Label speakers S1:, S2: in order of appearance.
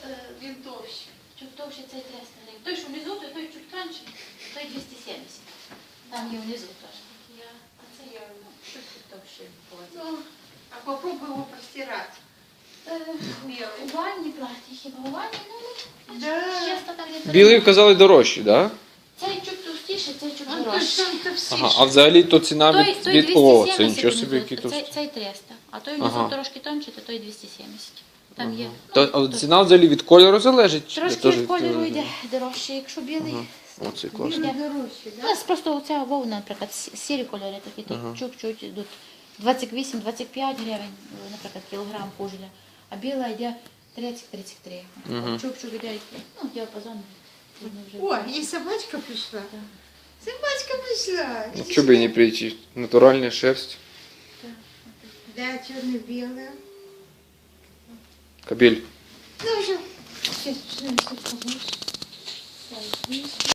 S1: Він товщий.
S2: Чуть товще цей 300 гривень. Той, що внизу, той чуть тонший, той 270. Там є внизу теж. А це я чуть товще.
S1: Ну, а попробуй його простирати.
S2: У ванні платі, хіба у ванні? Ну,
S1: Да.
S2: часто там є.
S3: Білий, казали, дорожчі, так? Да?
S2: Цей чуть товстіший, цей чуть
S1: Он
S2: дорожчий.
S1: точно товстіший.
S3: Ага, а взагалі то ціна
S2: Той
S3: від...
S2: 270
S3: О, це нічого собі,
S2: внизу,
S3: який товстий.
S2: цей 300, а той внизу
S3: Ага.
S2: трошки тонший, то той 270. Там є.
S3: А ціна взагалі від кольору залежить? Чи
S2: Трошки
S3: теж
S2: від кольору
S3: від-
S2: йде дорожче, якщо білий.
S3: О, це класно.
S1: Він дорожчий,
S2: У
S1: да?
S2: нас просто оця вовна, наприклад, сірі кольори такі, то чуть-чуть йдуть 28-25 гривень, наприклад, кілограм кужеля, а біла йде 30-33. Чук-чук йде, ну, діапазон.
S1: О, і собачка прийшла. Собачка прийшла.
S3: Ну, чого б і не прийти? Натуральна шерсть.
S1: Да, черно-белая.
S3: Кабель.
S1: Ну, уже.
S2: Сейчас,